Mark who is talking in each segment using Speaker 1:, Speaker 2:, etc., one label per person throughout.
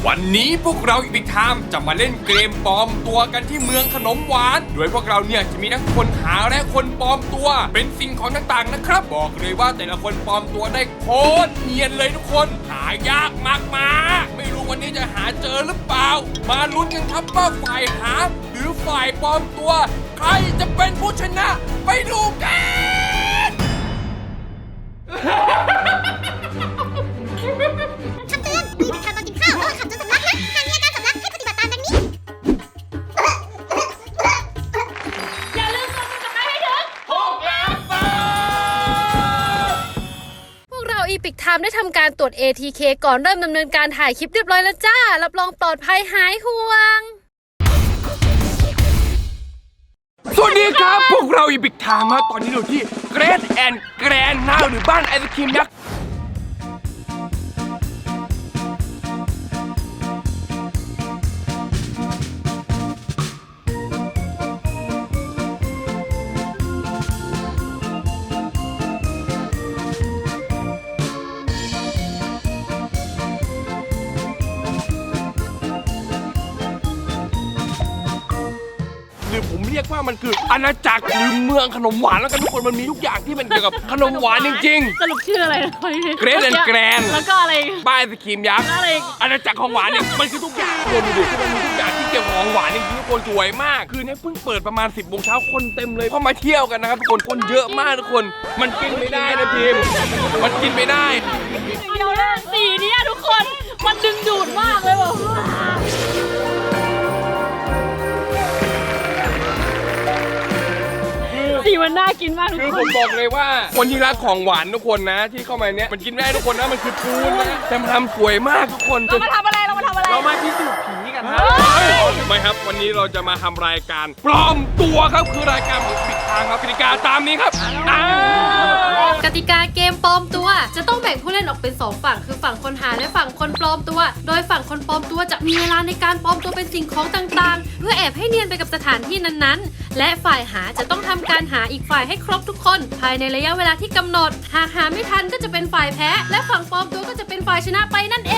Speaker 1: วันนี้พวกเราอีกทามจะมาเล่นเกมปลอมตัวกันที่เมืองขนมหวานโดยพวกเราเนี่ยจะมีทั้งคนหาและคนปลอมตัวเป็นสิ่งของต่างๆนะครับบอกเลยว่าแต่ละคนปลอมตัวได้โคตรเนียนเลยทุกคนหายากมากๆไม่รู้วันนี้จะหาเจอหรือเปล่ามาลุ้นกันครับว่าฝ่ายหาหรือฝ่ายปลอมตัวใครจะเป็นผู้ชนะไปดูกัน
Speaker 2: คำเตือนมีพิธีตอนกินข้าวระหว่างขับจนสำลักนะหากมีอาการสำลักให้ปฏิบัติตามดังนี้
Speaker 3: อย่าลืมกดติดตามให้ถึงพวกเราอีพิกไทม์ได้ทำการตรวจ ATK ก่อนเริ่มดำเนินการถ่ายคลิปเรียบร้อยแล้วจ้ารับรองปลอดภัยหายห่วง
Speaker 1: สวัสดีครับพวกเราอีพิกไทม์ตอนนี้อยู่ที่เกรทแอนด์แกรนด์นาหรือบ้านไอศครีมยักษ์หรือผมเรียกว่ามันคืออาณาจักรหรือเมืองขนมหวานแล้วกันทุกคนมันมีทุกอย่างที่มันเกี่ยวกับขนมหวานจริง
Speaker 3: สรุปชื่ออะไรนะ
Speaker 1: เกรทแอนด์แกรนด์
Speaker 3: แล้วก็อะไร
Speaker 1: ๆบ้านไอศครีมยักษ์
Speaker 3: แล้วอะไรอีก
Speaker 1: อาณาจักรของหวานเนี่ยมันคือทุกอย่างคนดูดิคือมันมีทุกอย่างที่เกี่ยวกับของหวานจริงๆทุกคนสวยมากคือเนี่ยเพิ่งเปิดประมาณ 10 โมงเช้าคนเต็มเลยเข้ามาเที่ยวกันนะครับทุกคนเยอะมากทุกคนมันกินไม่ได้นะทีมมันกินไม่ได้
Speaker 3: เดี๋ยวนะสีนี้ทุกคนมันดึงดูดมากเลยบอกสีมันน่ากินมากทุก
Speaker 1: คือ
Speaker 3: ค
Speaker 1: ผ
Speaker 3: น
Speaker 1: มบอกเลยว่าคนที่รักของหวานทุกคนนะที่เข้ามาเนี้ยมันกินไม่ได้ทุกคนนะมันคือปูนนะแต่มันทำสวยมากทุกคน
Speaker 3: เรามาทำอะไร
Speaker 1: เรามาพิสูจน์ผีกันครับไม่ครับวันนี้เราจะมาทำรายการปลอมตัวครับคือรายการของปิดทางครับกติกาตามนี้ครับ
Speaker 3: กติกาเกมปลอมตัวจะต้องแบ่งผู้เล่นออกเป็น2ฝั่งคือฝั่งคนหาและฝั่งคนปลอมตัวโดยฝั่งคนปลอมตัวจะมีเวลาในการปลอมตัวเป็นสิ่งของต่างๆเพื่อแอบให้เนียนไปกับสถานที่นั้นๆและฝ่ายหาจะต้องทำการหาอีกฝ่ายให้ครบทุกคนภายในระยะเวลาที่กำหนดหากหาไม่ทันก็จะเป็นฝ่ายแพ้และฝั่งปลอมตัวก็จะเป็นฝ่ายชนะไปนั่นเอง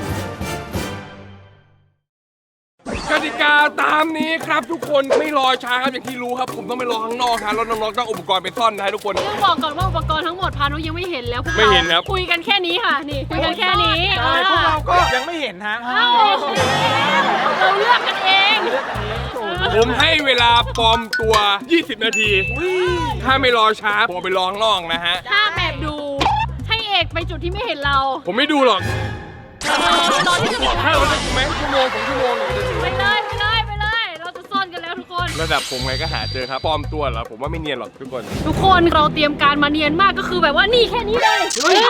Speaker 1: กติกาตามนี้ครับทุกคนไม่รอช้าครับอย่างที่รู้ครับผมต้องไปรอข้างนอกครับแล้วน้องๆต้องอุปกรณ์ไปซ่อนนะทุกคน
Speaker 3: ต้องบอกก่อนว่าอุปกรณ์ทั้งหมดพานุยังไม่เห็นแล้วพวก
Speaker 1: ไม่เห็นครับ
Speaker 3: คุยกันแค่นี้ค่ะนี่คุยกันแค่นี้
Speaker 4: พวกเราก็ยังไม่เห็นฮะ
Speaker 3: เราเลือกกันเอง
Speaker 1: ผมให้เวลาปลอมตัว 20 นาทีถ้าไม่รอช้าผมไปรอข้างนอกนะฮะ
Speaker 3: ถ้าแบบดูให้เอกไปจุดที่ไม่เห็นเรา
Speaker 1: ผมไม่ดูหรอก
Speaker 3: ตอนที่จะ
Speaker 1: ถ้าเราจะแม้ชั่วโมง2 ชั่วโมง
Speaker 3: ไปเลยเราจะซ่อนกันแล้วทุกคน
Speaker 1: ระดับผมไงก็หาเจอครับปลอมตัวเหรอผมว่าไม่เนียนหรอกทุกคน
Speaker 3: ทุกคนเราเตรียมการมาเนียนมากก็คือแบบว่านี่แค่นี้เลยเฮ้ย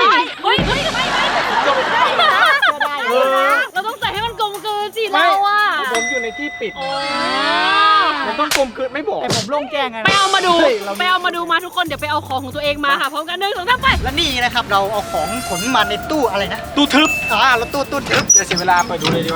Speaker 3: เราต้องใส่ให้มันกลมกลืนสิเราอ่ะ
Speaker 4: ผมอยู่ในที่ปิดมันต้องกลมกลืนไม่บอกแต่ผมโล่งแจ้งไง
Speaker 3: ไปเอามาดูมาทุกคนเดี๋ยวไปเอาของของตัวเองมาค่ะพร้อมกัน1 2 3ไป
Speaker 5: และนี่นะครับเราเอาของขนมาในตู้อะไรนะ
Speaker 4: ตู้ทึบ
Speaker 5: เราตู้ทึบ
Speaker 4: เดี๋ยวเสียเวลาไปดูเลยดีกว่า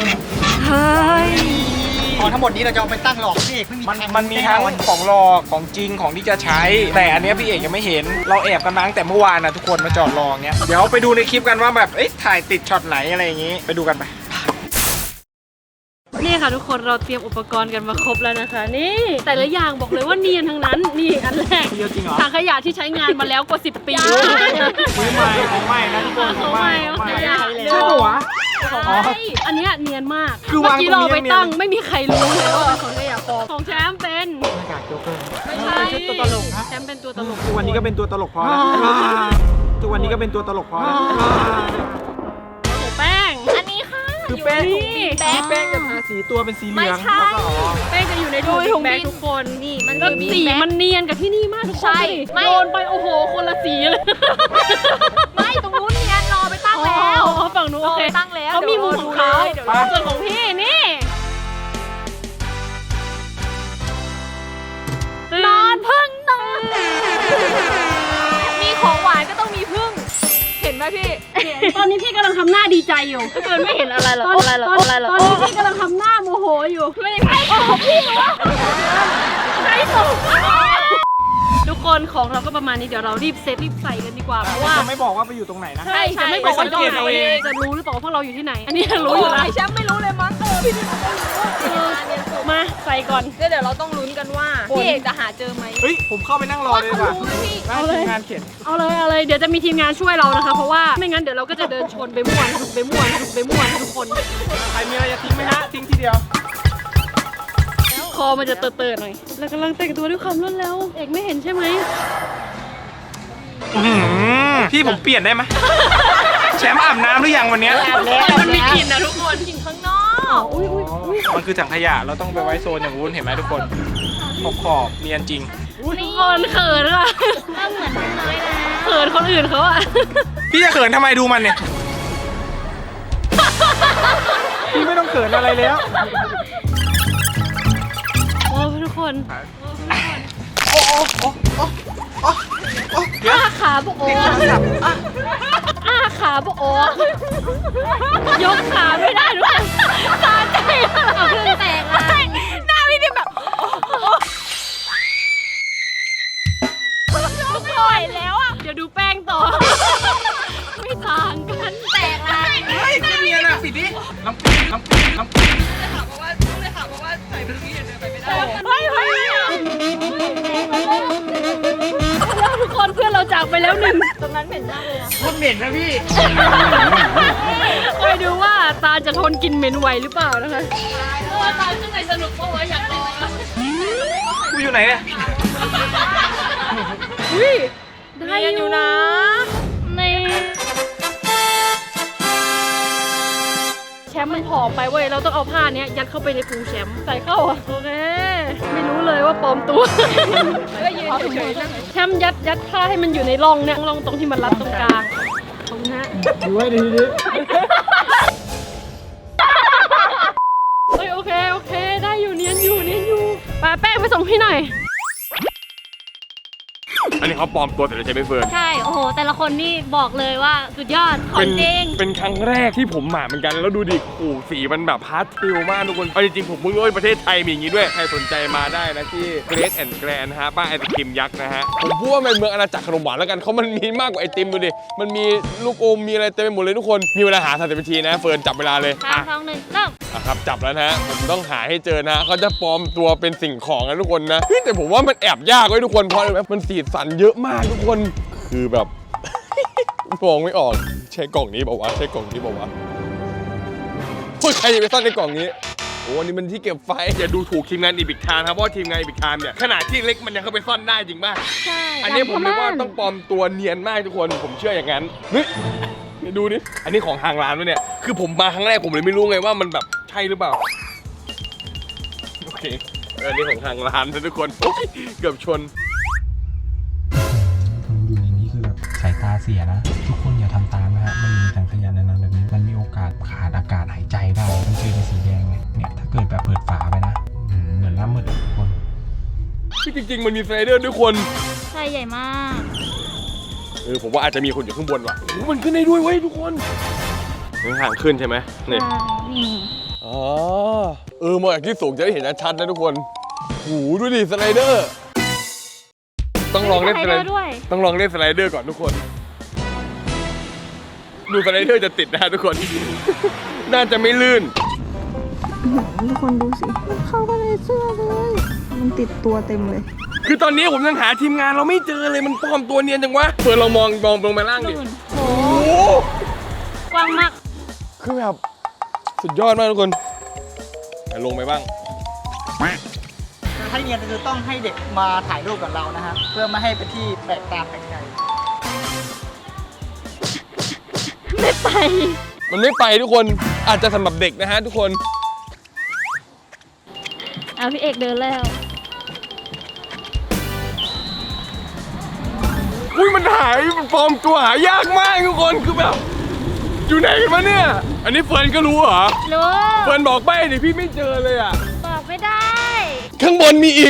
Speaker 5: ของทั้งหมดนี้เราจะเอาไปตั้งหลอกพี่เอกไม่มี
Speaker 4: มันมีทั้งของหลอกของจริงของที่จะใช้ แต่อันเนี้ยพี่เอกยังไม่เห็นเราแอบกันมาตั้งแต่เมื่อวานนะทุกคนมาจอดรอเงี้ยเดี๋ยวไปดูในคลิปกันว่าแบบถ่ายติดช็อตไหนอะไรอย่างงี้ไปดูกันไป
Speaker 3: นี่ค่ะทุกคนเราเตรียมอุปกรณ์กันมาครบแล้วนะคะนี่แต่ละอย่างบอกเลยว่าเนียนทั้งนั้นนี่อันแรก
Speaker 4: เยอะจริงเหรอ
Speaker 3: ถังขยะที่ใช้งานมาแล้วกว่า10 ปี
Speaker 4: ซื้อใหม่ของใหม่นะทุกคน
Speaker 3: ของใหม่
Speaker 4: ใช่ปะวะ
Speaker 3: อันเนี้ยเนียนมาก
Speaker 4: คือ
Speaker 3: เมื่
Speaker 4: วาง
Speaker 3: อกี้
Speaker 4: ตรง
Speaker 3: เรา
Speaker 4: นี้
Speaker 3: ไป
Speaker 4: เนียน
Speaker 3: ตั้งไม่มีใครรู้เลยว่าเป็นของขยะปลอมของแชมป์เป็น
Speaker 4: หน้ากากโจ๊กเกอร์
Speaker 3: ไม่ใช่
Speaker 5: ตัวตลกนะ
Speaker 3: แชมป์เป็นตัวตลก
Speaker 4: ทุกวันนี้ก็เป็นตัวตลกพอแล้วทุกวันนี้ก็เป็นตัวตลกพอแล้ว
Speaker 3: ของแป้งอันนี้ค่ะ
Speaker 4: คือแป้ง
Speaker 3: อยู่นี่
Speaker 4: แป้งจะทาสีตัวเป็นสีเหลือง
Speaker 3: แป้งจะอยู่ในถุงแบกทุกคนนี่มันก็สีมันเนียนกับที่นี่มากทุกคนโยนไปโอ้โหคนละสีเลย
Speaker 2: ไม่ตรงนู้นเนียนรอไปตั้งแล้ว
Speaker 3: อ๋อฝั่งนู้นโอเค
Speaker 2: ตั้งแล้ว
Speaker 3: เขามีมุมของเขา
Speaker 2: เดี๋ยว
Speaker 3: ส่วนของพี่นี่นอนพึ่งนอน
Speaker 2: มีของหวานก็ต้องมีพึ่ง เห็นไหมพี่
Speaker 3: ตอนนี้พี่กำลังทำหน้าดีใจอยู่ถ้าเกิดไม่เห็นอะไรหรอกตอนนี้พี่กำลังทำหน้าโมโหอยู่ไม่ใช่ของพี่หรอใช่ของทุกคคนของเราก็ประมาณนี้เดี๋ยวเรารีบเซตรีบใส่กันดีกว่าเพราะว่า
Speaker 4: จะไม่บอกว่าไปอยู่ตรงไหนนะ
Speaker 3: ใช่จะไม่บอกว่า
Speaker 4: ไปสังเกตเอาเอง
Speaker 3: จะรู้หรือเปล่าว่าพวกเราอยู่ที่ไหน อันนี้รู้อยู่แล้ว
Speaker 6: แชมป์ไม่รู้เลยมั้งพี่นี่เขาไม่รู้
Speaker 3: มาใส่ก่อน
Speaker 6: เดี๋ยวเราต้องลุ้นกันว่าพี่เอกจะหาเจอไหม
Speaker 4: เฮ้ยผมเข้าไปนั่งรอเลยดีกว่า
Speaker 3: เอาเลย
Speaker 4: งานเขียน
Speaker 3: เอาเลยเดี๋ยวจะมีทีมงานช่วยเรานะคะเพราะว่าไม่งั้นเดี๋ยวเราก็จะเดินชนไปม่วนไปม่วนไปม่วนทุกคน
Speaker 4: ใครมีอะไรจะทิ้งไหมฮะทิ้งทีเดียว
Speaker 3: คอมันจะเตอะๆหน่อยเรากำลังแต่งตัวด้วยความรวดเร็วเอกไม่เห็นใช่ไหม
Speaker 4: พี่ผมเปลี่ยนได้ไหมแชมป์อาบน้ำหรือยังวันเนี้ย
Speaker 3: มันมีกลิ่นนะทุกคนกลิ่นข้างนอกอุ้ย
Speaker 4: มันคือถังขยะเราต้องไปไว้โซนอย่างนู้นเห็นไหมทุกคนขอบเนียนจริง
Speaker 3: ทุกคนเขินอะ
Speaker 2: เหมือนกันเลยนะ
Speaker 3: เขินคนอื่นเขาอะ
Speaker 4: พี่จะเขินทำไมดูมันเนี่ยพี่ไม่ต้องเขินอะไรแล้ว
Speaker 3: โอ้ทุกคน
Speaker 4: เดี๋ยว
Speaker 3: อ้าขาโบโออ้าขาโบโอยกขาไม่ได้ทุกคนตาใจเอาเครื่องแตกอะ
Speaker 6: หน้าพี่ดิมแบบปล่อยแล้วอ่ะ
Speaker 3: เดี๋ยวดูแป้งต่อ ไม่ต่างกันแตกละ
Speaker 4: เฮ้ยไม่เนียนอ่ะปิดดิน้ำปิด
Speaker 6: เฮ้ย
Speaker 3: แล้วทุกคนเพื่อนเราจากไปแล้วหนึ่ง
Speaker 6: ตรงนั้นเหม็นมากเลยนะ
Speaker 4: คนเหม็นนะพี่
Speaker 3: คอยดูว่าตาจะทนกินเหม็นไหวหรือเปล่านะคะว่าตาข้างในสนุกเพราะว่าอยากเล่น
Speaker 4: กูอยู่ไหนเนี่ย
Speaker 3: อุ้ยได้อยู่นะในแชมป์มันผอมไปเว้ยเราต้องเอาผ้าเนี้ยยัดเข้าไปในพุงแชมป์ใส่เข้าอ่ะโอเคไม่รู้เลยว่าปลอมตัว
Speaker 6: ก็ยืนเฉยๆนั่ง
Speaker 3: แชมป์ยัดผ้าให้มันอยู่ในร่องเนี่ยร่องตรงที่มันรัดตรงกลางตรงนี้
Speaker 4: ดูให้ดีดิ
Speaker 3: เฮ้ยโอเคได้อยู่เนียนอยู่ปาแป้งไปส่งพี่หน่อย
Speaker 1: อันนี้เขาปลอมตัวแต่เราใช้ไม่เฟิร์น
Speaker 2: ใช่ โอ้โห แต่ละคนนี่บอกเลยว่าสุดยอด ของจริง
Speaker 1: เป็นครั้งแรกที่ผมหมาเหมือนกันแล้วดูดิโอ้โหสีมันแบบพาสเทลมากทุกคนเอาจริงๆผมเพิ่งรู้ว่าประเทศไทยมีอย่างนี้ด้วยใครสนใจมาได้นะที่ Great and Grand นะฮะบ้านไอศครีมยักษ์นะฮะผมพูดว่าเป็นเมืองอาณาจักรขนมหวานแล้วกันเขามันมีมากกว่าไอติมดูดิมันมีลูกอมมีอะไรเต็มไปหมดเลยทุกคนมีเวลาหา30 นาทีนะเฟิร์นจับเวลาเลย
Speaker 2: 3 2 1 เริ่ม
Speaker 1: ครับจับแล้วนะฮะผมต้องหาให้เจอนะฮะเขาจะปลอมตัวเป็นสิ่งของนะทุกคนนะเฮ้ยแต่ผมว่ามันแอบยากไว้ยทุกคนเพราะอะไรไหมมันสีสันเยอะมากทุกคนคือแบบ มองไม่ออกใช่กล่องนี้บอกว่าใช่กล่องนี้บอกว่าเฮ้ยใครจะไปซ่อนในกล่องนี้โอ้อันนี้มันที่เก็บไฟอย่าดูถูกทีมงานอีบิกทามครับเพราะว่าทีมงานอีบิกทามเนี่ยขนาดที่เล็กมันยังเข้าไปซ่อนได้จริงป่ะ
Speaker 2: ใช่
Speaker 1: อันนี้ผมเลยว่าต้องปลอมตัวเนียนมากทุกคนผมเชื่ออย่างนั้นเฮ้ยดูดิอันนี้ของทางร้านวะเนี่ยคือผมมาครั้งแรกผมเลยไม่รู้ไงว่ามันแบบใช่หรือเปล่าโอเคอันนี้ของทางร้านนะทุกคนโอ๊ยเกือบชน
Speaker 7: อยู่ในนี้คือแบบสายตาเสียนะ ทุกคนอย่าทำตามนะฮะมันมีถังขยะในนั้นแบบนี้มันมีโอกาสขาดอากาศหายใจได้มันคือในสีแดงเนี่ยถ้าเกิดแบบเปิดฝาไปนะเหมือนน้ำมืดอะทุกคน
Speaker 1: ที่จริงๆมันมีสไลเดอร์ด้วยคน
Speaker 2: ใช่ใหญ่มาก
Speaker 1: ผมว่าอาจจะมีคนอยู่ข้างบนว่ะโอ้มันขึ้นได้ด้วยเว้ยทุกคนทางขึ้นใช่ไหมนี่
Speaker 2: นี่
Speaker 1: อ๋อมองจากที่สูงจะได้เห็นชัดๆนะทุกคนโอ้โหดูดิสไลเดอร์ต้องลองเล่นสไลเดอร์
Speaker 2: ด้วย
Speaker 1: ต้องลองเล่นสไลเดอร์ก่อนทุกคน ดูสไลเดอร์จะติดนะทุกคน น่าจะไม่ลื่น
Speaker 6: ทุกคนดูสิมันเข้ามาในเสื้อเลยมันติดตัวเต็มเลย
Speaker 1: คือตอนนี้ผมยังหาทีมงานเราไม่เจอเลยมันปลอมตัวเนียนจังวะเฟิร์นเรามองลงไปล่างดิ
Speaker 2: โอ้
Speaker 1: โอ้โห
Speaker 2: กว้างมาก
Speaker 1: คือแบบสุดยอดมากทุกคนแต่ลงไปบ้าง
Speaker 5: ถ้าเนียนจะต้องให้เด็กมาถ่ายรูปกับเรานะฮะเพื่อไม่ให้เป็นที่แปลกตาแปลกใจ
Speaker 3: ไม่ไป
Speaker 1: มันไม่ไปทุกคนอาจจะสำหรับเด็กนะฮะทุกคน
Speaker 2: เอาพี่เอกเดินแล้ว
Speaker 1: อุ้ยมันหายมันปลอมตัวหายากมากทุกคนคือแบบอยู่ไหนกันวะเนี่ย อันนี้เฟิร์นก็รู้เหรอ
Speaker 2: รู้
Speaker 1: เฟิร์นบอกไปดิพี่ไม่เจอเลยอ่ะ
Speaker 2: บอกไม่ได้
Speaker 1: ข้างบนมีอีก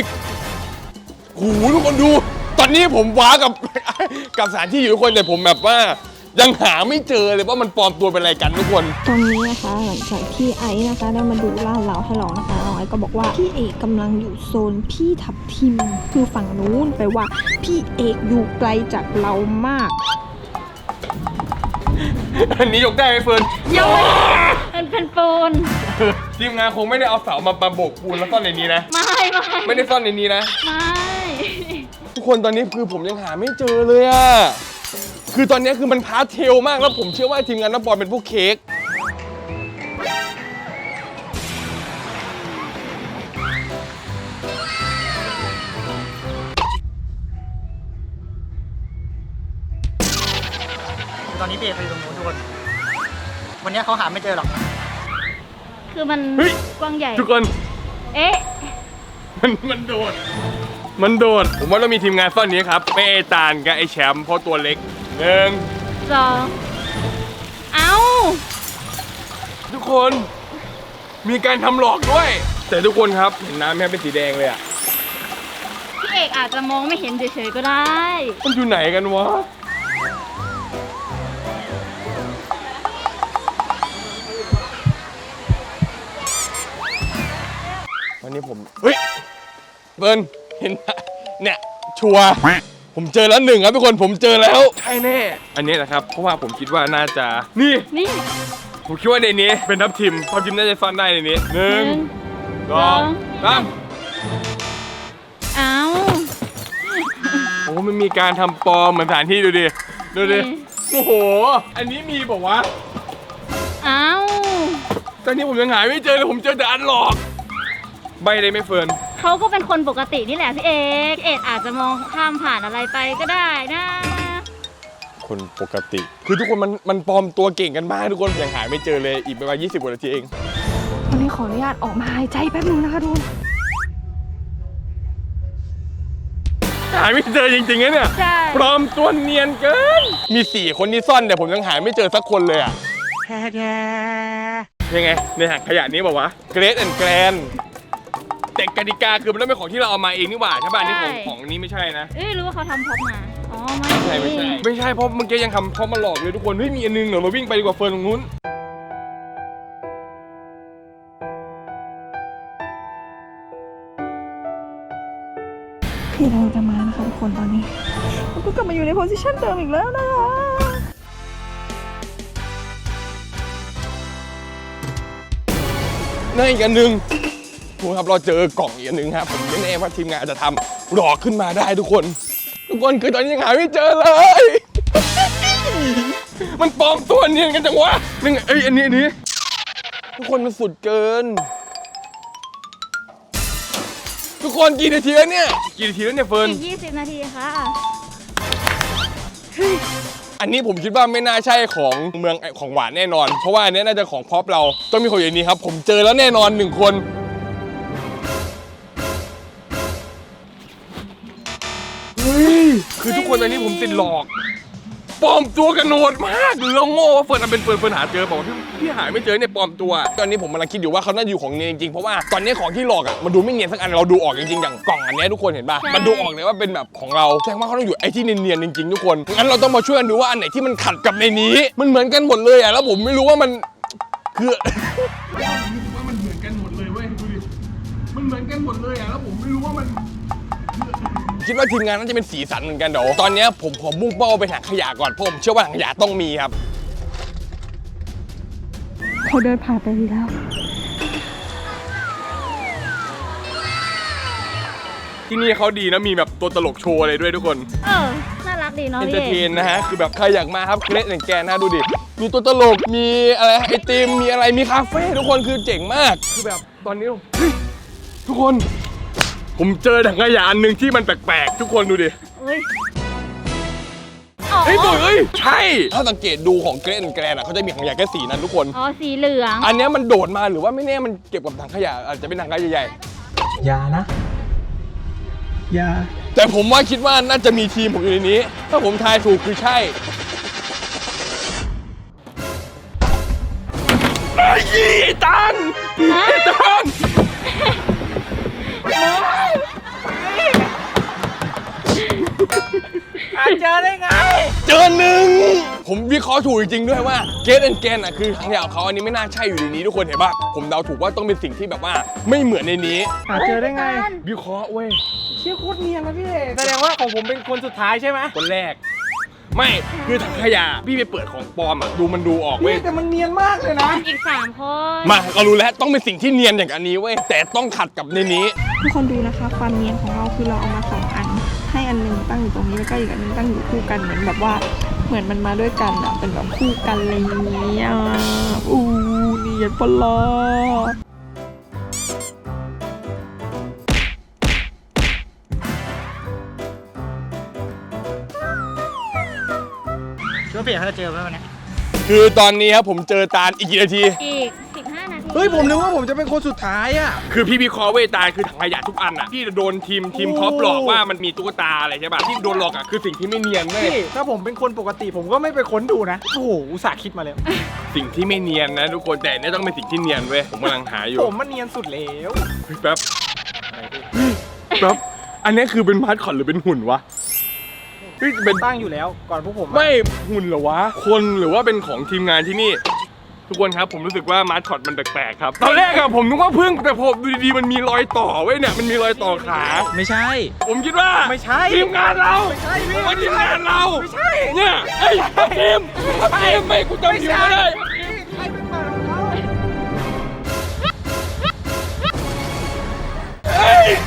Speaker 1: หูทุกคนดู ตอนนี้ผมว้ากับ กับสถานที่อยู่ทุกคนแต่ผมแบบว่ายังหาไม่เจอเลยว่ามันปลอมตัวเป็นอะไรกันทุกคน
Speaker 6: ตอนนี้นะคะหลังจากที่ไอซ์นะคะได้มาดูลาดเราให้เรานะคะน้องไอซ์ก็บอกว่าพี่เอกกำลังอยู่โซนพี่ทับทิมคือฝั่งนู้นแปลว่าพี่เอกอยู่ไกลจากเรามาก
Speaker 1: อันนี้ยกได้ไหมเฟิร์น
Speaker 3: ยกมันเป็นปูน
Speaker 1: ทีมงานคงไม่ได้เอาเสามาโบกปูนแล้วซ่อนในนี้นะ ไม่ได้ซ่อนในนี้นะ ทุกคนตอนนี้คือผมยังหาไม่เจอเลยอะคือตอนนี้คือมันพาร์ทเทลมากแล้วผมเชื่อว่าทีมงานน้ำบอลเป็นพวกเค้ก
Speaker 5: ตอนนี้พี่เอกไปอยู่ตรงนู้นทุกคนวันนี้เขาหาไม่เจอหรอก
Speaker 3: คือมัน
Speaker 1: เฮ้ย
Speaker 3: กว้างใหญ่
Speaker 1: ทุกคน
Speaker 3: เอ๊ะ
Speaker 1: มันโดด ผมว่าเรามีทีมงานซ่อนนี้ครับไม่ไอตาลกับไอแชมป์เพราะตัวเล็ก1
Speaker 3: 2 เอ้า
Speaker 1: ทุกคนมีการทำหลอกด้วย แต่ทุกคนครับเห็นน้ำแม่เป็นสีแดงเลยอะ
Speaker 3: พี่เอกอาจจะมองไม่เห็นเฉยๆก็ได้
Speaker 1: มันอยู่ไหนกันวะวันนี้ผมเฮ้ยเบิร์นเห็นปะเนี่ยชัวร์ผมเจอแล้ว1ครับทุกคนผมเจอแล้วใช่แน่อันนี้แหละครับเพราะว่าผมคิดว่าน่าจะนี่ ผมคิดว่าในนี้เป็นทับทิมน่าจะซ่อนได้ในนี้1 2 3
Speaker 3: เอ้า
Speaker 1: โอ้มันมีการทำปลอมเหมือนสถานที่ดูดิโอ้โหอันนี้มีบอกว่า
Speaker 3: เอ้า
Speaker 1: ตอนนี้ผมยังหาไม่เจอเลยผมเจอแต่อันหลอกใบเลยไม่เฟิร์น
Speaker 3: เขาก็เป็นคนปกตินี่แหละพี่เอกอาจจะมองข้ามผ่านอะไรไปก็ได้นะ
Speaker 1: คนปกติ คือทุกคนมันปลอมตัวเก่งกันมากทุกคนยังหาไม่เจอเลยอีกประมาณ20 กว่านาทีเอง
Speaker 6: วันนี้ขออนุญาตออกมาหายใจแป๊บนึงนะคะทุกคน
Speaker 1: หาไม่เจอจริงๆนะเนี่ย
Speaker 3: ใช่
Speaker 1: ปลอมตัวเนียนเกินมี4 คนที่ซ่อนแต่ผมยังหาไม่เจอสักคนเลยอ่ะยังไงในถังขยะนี้บอกว่าเกรดแอนด์แกรนแต่กติกาคือมันต้องเป็นของที่เราเอามาเองนี่หว่าใช่ป่ะนี่ของนี้ไม่ใช่นะ
Speaker 3: รู้ว่าเขาทำพ็อปมา อ๋อ
Speaker 1: ไม่ใช่เพราะเมื่อกี้ยังทำเพราะมาหลอกเลยทุกคนเฮ้ยมีอันนึงเดี๋ยวเราวิ่งไปดีกว่าเฟิร์นตรงนู้น
Speaker 6: พี่เราจะมานะคะทุกคนตอนนี้เราก็กลับมาอยู่ในโพสิชันเดิมอีกแล้วนะคะ
Speaker 1: นั่นอีกอันหนึ่งทุกคนครับเราเจอกล่องอีกอันหนึ่งครับผมไม่แน่ว่าทีมงานจะทำหลอกขึ้นมาได้ทุกคนคือตอนนี้ยังหาไม่เจอเลย มันปลอมตัวเนียนกันจังวะนี่ไงอันนี้ทุกคนมันสุดเกิน ทุกคนกี่นาทีแล้วเนี่ยเฟิร์น
Speaker 3: อีก20 นาทีค่ะ
Speaker 1: อันนี้ผมคิดว่าไม่น่าใช่ของเมืองของหวานแน่นอนเพราะว่าอันนี้น่าจะของพ็อปเราต้องมีคนอย่างนี้ครับผมเจอแล้วแน่นอน1 คนเฮ้ยคือทุกคนตอนนี้ผมติดหลอกปลอมตัวกันโหดมากเราโง่ว่าเฟิร์นเป็นเฟิร์นหาเจอบอกว่าพี่หาไม่เจอเนี่ยปลอมตัวตอนนี้ผมกำลังคิดอยู่ว่าเขาน่าจะอยู่ของเนียนจริงๆเพราะว่าตอนนี้ของที่หลอกอ่ะมันดูไม่เนียนสักอันเราดูออกจริงๆอย่างกล่องอันนี้ทุกคนเห็นป่ะมันดูออกเลยว่าเป็นแบบของเราแสดงว่าเขาต้องอยู่ไอ้ที่เนียนๆจริงๆทุกคนงั้นเราต้องมาช่วยกันดูว่าอันไหนที่มันขัดกับในนี้มันเหมือนกันหมดเลยอ่ะแล้วผมไม่รู้ว่ามันคือมันเหมือนกันหมดเลยเว้ยดูดิมันเหมือนกันหมดเลยอ่ะแล้วผมไม่รู้ว่ามันคิดว่าทีมงานน่าจะเป็นสีสันเหมือนกันเดี๋ยวตอนนี้ผมขอมุ่งเป้าไปถังขยะก่อนเพราะผมเชื่อว่าถังขยะต้องมีครับ
Speaker 6: เขาเดินผ่านไปดีแล้ว
Speaker 1: ที่นี่เขาดีนะมีแบบตัวตลกโชว์อะไรด้วยทุกคน
Speaker 3: น่ารักดีเนาะ
Speaker 1: เอน
Speaker 3: พี่
Speaker 1: เตอร์
Speaker 3: เอ
Speaker 1: เท
Speaker 3: ก
Speaker 1: นนะฮะคือแบบใครอยากมาครับเกรดแอนด์แกนนะดูดิมีตัวตลกมีอะไรไอติมมีอะไรมีคาเฟ่ทุกคนคือเจ๋งมากคือแบบตอนนี้เฮ้ยทุกคนผมเจอถังขยะอันหนึ่งที่มันแปลกๆทุกคนดูดิ
Speaker 3: เฮ้ย
Speaker 1: เฮ้ยตัวเฮ้ยใช่ถ้าสังเกตดูของเกรดแอนด์แกนอ่ะเขาจะมีถังขยะแค่สีนั้นทุกคน
Speaker 3: อ๋อ สีเหลือง
Speaker 1: อันเนี้ยมันโดดมาหรือว่าไม่แน่มันเก็บกับถังขยะอาจจะเป็นถังขยะใหญ่
Speaker 7: อย่านะ อย่า
Speaker 1: ๆแต่ผมว่าคิดว่าน่าจะมีทีมผมอยู่ในนี้ถ้าผมทายถูกคือใช่ไอ้ตัน
Speaker 5: เจอได้ไง
Speaker 1: เจอ1 ผมวิเคราะห์ถูกจริงๆด้วยว่าเกสแอนด์แกนอ่ะคือถังขยะของเขาอันนี้ไม่น่าใช่อยู่ในนี้ทุกคนเห็นป่ะผมเดาถูกว่าต้องเป็นสิ่งที่แบบว่าไม่เหมือนในนี้
Speaker 4: หาเจอได้ไง
Speaker 1: วิเคราะห์เว้ย
Speaker 4: เชี่ยโคตรเนียนนะพี่เอกแสดงว่าของผมเป็นคนสุดท้ายใช่ไหม
Speaker 1: คนแรก ไม่คือถังขยะพี่ไปเปิดของปลอมอ่ะมันดูออกเว้
Speaker 4: พี่
Speaker 1: ย
Speaker 4: แต่มันเนียนมากเลยนะ
Speaker 2: อีก3 คน
Speaker 1: มาเรารู้แล้วต้องเป็นสิ่งที่เนียนอย่างอันนี้เว้ยแต่ต้องขัดกับในนี้
Speaker 6: ทุกคนดูนะคะ ความเนียนของเราคือเราเอามา2 อัน ให้อันหนึงตั้งอยู่ตรงนี้แล้วก็อีกอันหนึงตั้งอยู่คู่กันเหมือนแบบว่าเหมือนมันมาด้วยกันอ่ะเป็นแบบคู่กันอะไรอย่างเงี้ยอู้เนียนปะล่ะ
Speaker 5: คิดว่าพี่เอกเขาจะเจอไหมวันนี้
Speaker 1: คือตอนนี้ครับผมเจอตาลอีกกี่นาที
Speaker 2: อีก15 นาที
Speaker 4: เฮ้ยผมนึกว่าผมจะเป็นคนสุดท้ายอ่ะ
Speaker 1: คือพี่วิเคราะห์เว้ยตาลคือถังขยะทุกอันอ่ะที่โดนทีมท็อปหลอกว่ามันมีตุ๊กตาอะไรใช่ป่ะที่โดนหลอกอ่ะคือสิ่งที่ไม่เนียนเว้ย
Speaker 4: พี่ถ้าผมเป็นคนปกติผมก็ไม่ไปค้นดูนะ โอ้โหอุตส่าห์คิดมาแล้ว
Speaker 1: สิ่งที่ไม่เนียนนะทุกคนแต่เนี่ยต้องเป็นสิ่งที่เนียนเว้ยผมกำลังหาอยู่
Speaker 4: ผมมันเนียนสุดแล้ว
Speaker 1: เฮ้ยแป๊บแป๊บอันนี้คือเป็นมาสคอตหรือเป็นหุ่นวะเฮ้ยเป็น
Speaker 4: ตั้งอยู่แล้วก่อนพวกผมอะ
Speaker 1: ไม่หุ่นเหรอวะคนหรือว่าเป็นของทีมงานที่นี่ ทุกคนครับผมรู้สึกว่ามาสคอตมันแปลกๆครับตอนแรกอะผมนึกว่าพึ่งแต่พอดูดีๆมันมีรอยต่อเว้ยเนี่ยมันมีรอยต่อขา
Speaker 4: ไม่ใช่
Speaker 1: ผมคิดว่า
Speaker 4: ไม่ใช่
Speaker 1: ทีมงานเรา
Speaker 4: ไม่ใช่พี่
Speaker 1: ผมว่าทีมงานเรา
Speaker 4: ไม่ใช่
Speaker 1: เนี่ยไอ้ทีมไม่กูจำทีมไม่ได้เฮ้ย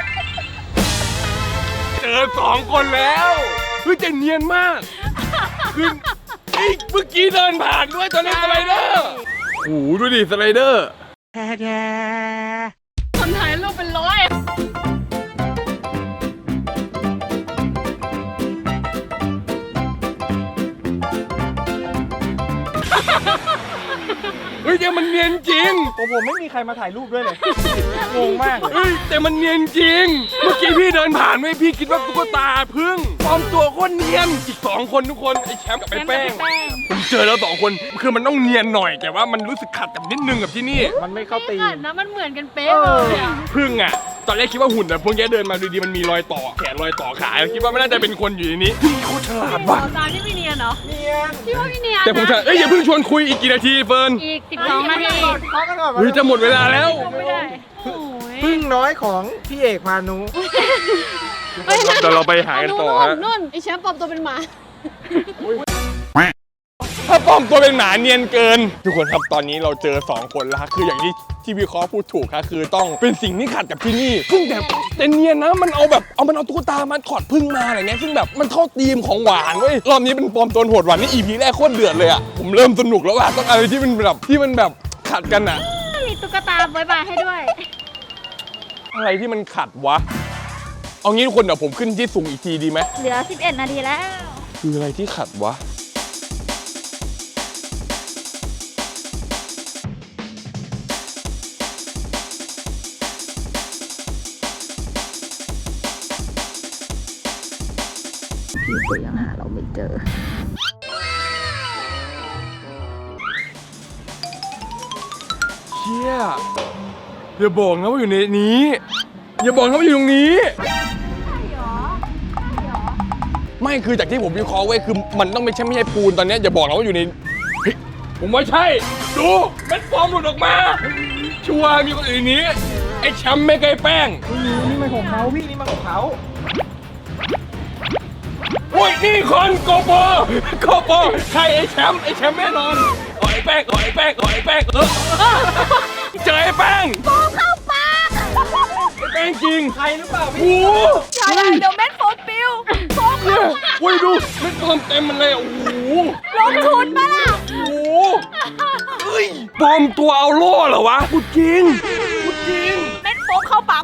Speaker 1: เจอ2 คนแล้วเฮ้ยแต่เนียนมากคือไอ้เมื่อกี้เดินผ่านด้วยตอนนี้สไลเดอร์โอ้โหดูดิสไลเดอร์
Speaker 3: คนถ่ายรูปเป็นร้อย
Speaker 1: เฮ้ยแต่มันเนียนจริง
Speaker 4: ผมไม่มีใครมาถ่ายรูปด้วยเลย งงมากเลย
Speaker 1: เฮ้ยแต่มันเนียนจริง เมื่อกี้พี่เดินผ่านไม่พี่คิดว่าตุ๊กตาพึ่งปลอมตัวโคตรเนียนอีก2 คนทุกคนไอ้แชมป์กับไอ้แป้งผมเจอแล้ว2 คนคือมันต้องเนียนหน่อยแต่ว่ามันรู้สึกขัดกับนิดนึงกับที่นี่
Speaker 4: มันไม่เข้าตี
Speaker 3: ขั
Speaker 4: ม
Speaker 3: ดนะมันเหมือนกันเป๊ะเลยอะ
Speaker 1: พึ่งอ่ะตอนแรกคิดว่าหุ่นแต่พวกแกเดินมาดูดีมันมีรอยต่อแขนรอยต่อขาคิดว่าไม่น่าจะเป็นคนอยู่ในนี้พึ่งโคตรฉลาดว่ะ
Speaker 3: ตาที่ไม่เนียนเหรอ
Speaker 4: เนียน
Speaker 3: พี่ว่าพี่เนียน
Speaker 1: แต่ผมจะเอ้ยอย่าเพิ่งชวนคุยอีกกี่นาทีเฟิร์น
Speaker 2: อีก12 นาที
Speaker 4: เคาะกันก่อน
Speaker 1: เฮ้ยจะหมดเวลาแล้ว
Speaker 3: ไม่ได้โอ้ย
Speaker 4: พึ่งน้อยของพี่เอกพานุ
Speaker 1: เดี๋ยวเราไปหากันต่อฮะ
Speaker 3: นู่นไอแชมป์ปลอมตัวเป็นหมา
Speaker 1: ถ้าปลอมตัวเป็นหมาเนียนเกิน ทุกคนครับตอนนี้เราเจอ2 คนแล้วฮะคืออย่างที่วิเคราะห์พูดถูกครับคือต้องเป็นสิ่งที่ขัดกับที่นี่ซึ่งแต่เนียนนะมันเอาตุ๊กตามาถอดพึ่งมาอะไรเงี้ยซึ่งแบบมันเข้าธีมของหวานเว้ยรอบนี้เป็นปลอมตัวโหดหวานนี่ EP แรกโคตรเดือดเลยอ่ะผมเริ่มสนุกแล้วว่ะต้องอะไรที่มันแบบขัดกันอ่ะ
Speaker 2: มีตุ๊กตาบายบายให้ด้วย
Speaker 1: อะไรที่มันขัดวะเอางี้ทุกคนเดี๋ยวผมขึ้นที่สูงอีกทีดีไหม
Speaker 2: เหลือ11 นาทีแล้ว
Speaker 1: คืออะไรที่ขัดวะ
Speaker 6: พี่ก็ยังหาเราไม่เจอ
Speaker 1: เชี่ยอย่าบอกนะว่าอยู่ในนี้ อย่าบอกนะว่าอยู่ตรงนี้ ไม่คือจากที่ผมวิเคราะห์ไว้คือมันต้องไม่ใช่ปูนตอนนี้อย่าบอกนะว่าอยู่ในเฮ้ยผมว่าใช่ ดูเม็ดฟอร์มหลุดออกมา ชัวร์มีคนอื่นในนี้ไอ้แชมป์ไม่เคยแป้ง
Speaker 4: นี่มันของเขาพี่นี่มันของเขา
Speaker 1: โอ้ยนี่คนโกโปใครไอ้แชมป์แน่นอนหอยแป้งเจอไอ้แป้งโป้เข้าปากไอ้แป้งจริง
Speaker 4: ใครหรือเปล่า
Speaker 1: โอ้
Speaker 4: พี่
Speaker 1: โห
Speaker 3: อย่าเลยเดี๋ยวเม็ดโฟมปิว
Speaker 1: เนี่ยโอ้ยดูเม็ดฟอร์มเต็มมันเลยโอ้โห
Speaker 3: ลงทุนมาล่ะ
Speaker 1: โอ้โหเฮ้ยปลอมตัวเอาโล่เหรอวะพูดจริง
Speaker 3: เม็ดโฟมเข้าปาก
Speaker 4: ไป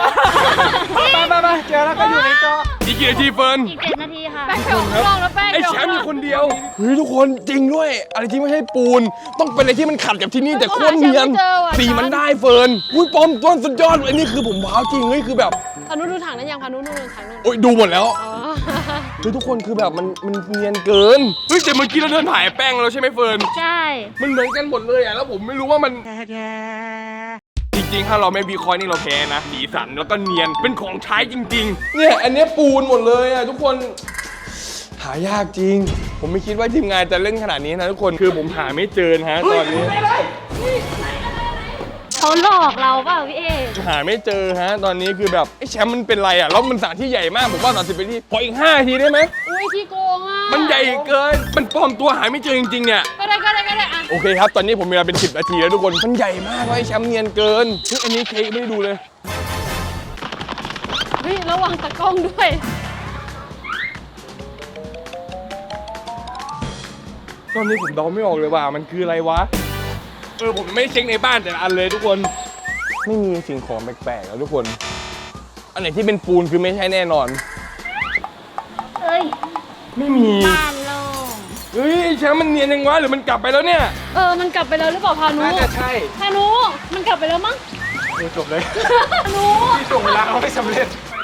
Speaker 4: เจอแล้วก็อยู่ในจอ
Speaker 1: อีกกี่นาทีเฟิร์น
Speaker 2: อีก7 นาทีค่ะ
Speaker 3: แป้งเขียวลองแล้วแป้ง
Speaker 1: ไอ้แชมป์มีคนเดียว เฮ้ยทุกคนจริงด้วย อะไรที่ไม่ใช่ปูน ต้องเป็นอะไรที่มันขัดกับที่นี่แต่โคตรเนียน สีมันได้เฟิร์นอุ้ยปลอมต้นสุดยอดอันนี้คือผมว้าวจริงเฮ้ยคือแบบ
Speaker 3: พานุดูถังนั้นยังพานุดูถังนั้น
Speaker 1: โอ้ยดูหมดแล้ว
Speaker 3: อ๋อ
Speaker 1: เฮ้ยทุกคนคือแบบมันเนียนเกิน เฮ้ยแต่เมื่อกี้เราเดินถ่ายแป้งแล้วใช่ไหมเฟิร์น
Speaker 2: ใช่
Speaker 1: มันเหมือนกันหมดเลยอ่ะแล้วผมไม่รู้ว่ามัน จริงๆ ถ้าเราไม่วิเคราะห์นี่เราแพ้นะสีสันแล้วก็เนียนเป็นของใช้จริงๆ เนี่ยอันเนี้ยปูนหมดเลยอ่ะทุกคนหายากจริง ผมไม่คิดว่าทีมงานจะเล่นขนาดนี้นะทุกคนคือผมหาไม่เจอนะฮะตอนนี้
Speaker 3: เขาหลอกเราเปล่าพี่เอก
Speaker 1: หาไม่เจอฮะตอนนี้คือแบบไอ้แชมป์มันเป็นไรอ่ะแล้วมันสถานที่ใหญ่มากผมว่า30ไปที่ขออีก5 นาทีได้ไหม
Speaker 3: อุ้ยขี้โกงอ่ะ
Speaker 1: มันใหญ่เกินมันปลอมตัวหาไม่เจอจริงๆเนี่ย
Speaker 3: ก็ได้อ่ะ
Speaker 1: โอเคครับตอนนี้ผมมีเวลาเป็น10 นาทีแล้วทุกคนมันใหญ่มากว่าไอ้แชมป์เนียนเกินซึ่งอันนี้เค้กไม่ได้ดูเลย
Speaker 3: เฮ้ยระวังตะกล้องด้วย
Speaker 1: ตอนนี้ผมเดาไม่ออกเลยว่ามันคืออะไรวะผมไม่ได้เช็คในบ้านแต่ละอันเลยทุกคนไม่มีสิ่งของแปลกๆแล้วทุกคนอันไหนที่เป็นปูนคือไม่ใช่แน่นอน
Speaker 2: เอ้ย
Speaker 1: ไม่มี
Speaker 2: บ้านโล่ง
Speaker 1: เฮ้ยแชมป์มันเนียนยังวะหรือมันกลับไปแล้วเนี่ย
Speaker 3: มันกลับไปแล้วหรือเปล่าพานุ
Speaker 4: น่าจะใช่
Speaker 3: พานุมันกลับไปแล้วมั้ง
Speaker 4: จบเลย
Speaker 3: พานุ
Speaker 4: ที่ส่งเวลาเขาไม่สำเร็จ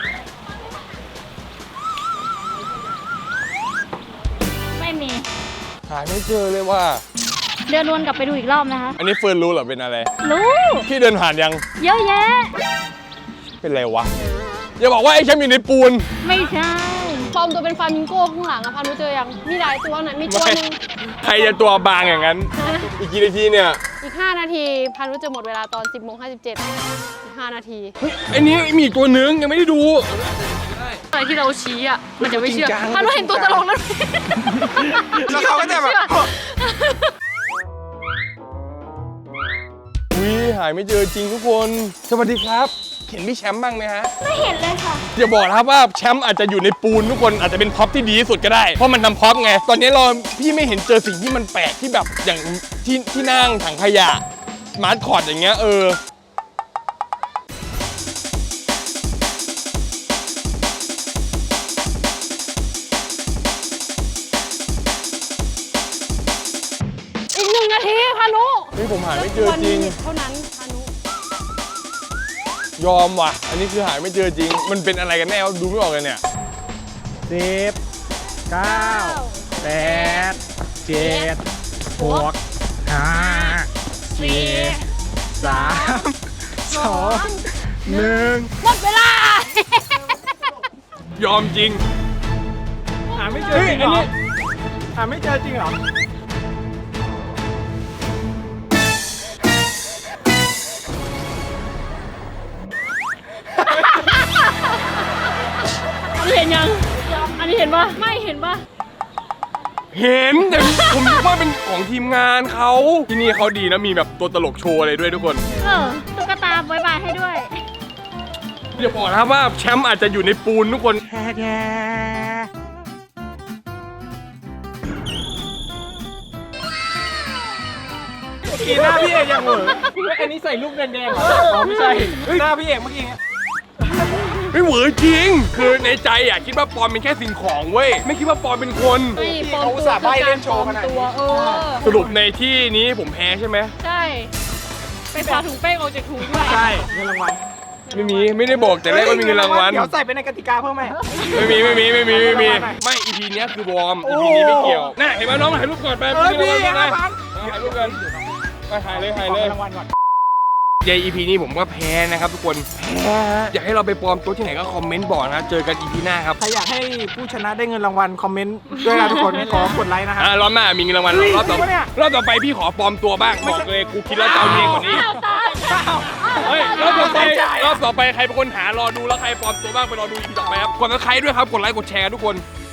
Speaker 2: ไม่มี
Speaker 1: หาไม่เจอเลยว่า
Speaker 2: เดินวนกลับไปดูอีกรอบนะคะ
Speaker 1: อันนี้เฟิร์นรู้เหรอเป็นอะไร
Speaker 2: รู้
Speaker 1: พี่เดินผ่านยัง
Speaker 2: เยอะแยะ
Speaker 1: เป็นไรวะอย่าบอกว่าไอ้แชมป์อยู่ในปูน
Speaker 2: ไม่ใช่
Speaker 3: ปลอมตัวเป็นฟามิงโก้ข้างหลังอะพานุเจอยังมีหลายตัวนะมีตัวหนึง
Speaker 1: ใครจะตัวบางอย่างนั้น อีกกี่นาทีเนี่ย
Speaker 3: อีก 5 นาทีพานุจะหมดเวลาตอน 10:57อีก5 นาที
Speaker 1: เฮ้ยไอ้นี้มีอีกตัวนึงยังไม่ได้ดู
Speaker 3: อะไรที่เราชี้อ่ะมันจะไม่เชื่อ
Speaker 4: จริงจัง
Speaker 3: พานุเห็นตัวตลกแล้ว
Speaker 4: แล้วเขาก็จะแบบ
Speaker 1: อุ้ยหายไม่เจอจริงทุกคน สวัสดีครับ เห็นพี่แชมป์บ้างไหมฮะ
Speaker 2: ไม่เห็นเลยค่ะ
Speaker 1: อย่าบอกนะครับว่าแชมป์อาจจะอยู่ในปูนทุกคนอาจจะเป็นพ็อปที่ดีที่สุดก็ได้ เพราะมันทำพ็อปไง ตอนนี้พี่ไม่เห็นเจอสิ่งที่มันแปลกที่แบบอย่างที่นั่งถังขยะมาร์ทคอร์ดอย่างเงี้ย
Speaker 3: อีก1 นาทีพานุ
Speaker 1: เฮ้ยผมหาไม่เจอจริง
Speaker 3: วันนี้เท่านั้นพานุ
Speaker 1: ยอมว่ะ อันนี้คือหาไม่เจอจริง มันเป็นอะไรกันแน่วะดูไม่ออกเลยเนี่ย
Speaker 4: 10 9 8 7 6 5 4 3 2 1
Speaker 3: หมดเวลา
Speaker 1: ยอมจริง
Speaker 4: หาไม่เจอจริงเหรอหาไม่เจอจริงเหรอ
Speaker 3: อันนี้เห็นยัง อันนี้เห็นปะไม่เห็นปะ
Speaker 1: เห็นแต่ผมนึกว่าเป็นของทีมงานเขาที่นี่เขาดีนะมีแบบตัวตลกโชว์อะไรด้วยทุกคน
Speaker 2: ตุ๊กตาบายบายให้ด้วย
Speaker 1: อย่าบอกนะครับว่าแชมป์อาจจะอยู่ในปูนทุกคน
Speaker 4: กีหน้าพี่เอกยังเหรออันนี้ใส่ลูกแดงๆเหรออ๋อไม่ใช่หน้าพี่เอกเมื่อกี้
Speaker 1: ไม่เหวอจริง คือในใจอ่ะคิดว่าปอมเป็นแค่สิ่งของเว้ยไม่คิดว่าปอมเป็นคน
Speaker 3: ไม่ปลอมตัวคือการปลอมตัว
Speaker 1: สรุปในที่นี้ผมแพ้ใช่ไหม
Speaker 3: ใช่ ไปพาถุงแป้งออกจากถุงด้วย
Speaker 4: ใช่เงินรางวัล
Speaker 1: ไม่ได้บอกแต่แรกว่ามีเงินรางวัล
Speaker 4: เดี๋ยวใส่ไปในกติกาเพิ่มไหม
Speaker 1: ไม่มีไม่ EP เนี้ยคือวอร์ม EP นี้ไม่เกี่ยวน่าเห็นไหมน้องถ่ายรูปก่อนไป
Speaker 4: พี่
Speaker 1: ถ่ายรูปกันมาถ่ายเลย
Speaker 4: รางวัลก่อน
Speaker 1: ใน EP นี้ผมก็แพ้นะครับทุกคนแพ้อยากให้เราไปปลอมตัวที่ไหนก็คอมเมนต์บอกนะเจอกัน EP หน้าครับ
Speaker 4: ใครอยากให้ผู้ชนะได้เงินรางวัลคอมเมนต์ด้วยนะทุกคนขอกดไลค์นะฮะ
Speaker 1: รอบหน้ามีเงินรางวัลรอบต่อ
Speaker 4: จริงปะเนี่ย
Speaker 1: รอบต่อไปพี่ขอปลอมตัวบ้างบอกเลยกูคิดแล้วจะเอาเองกว่านี้เฮ้ยรอบต่อไปใครเป็นคนหารอดูแล้วใครปลอมตัวบ้างไปรอดู EP ต่อไปครับกดซับสไครต์ด้วยครับกดไลค์กดแชร์ทุกคน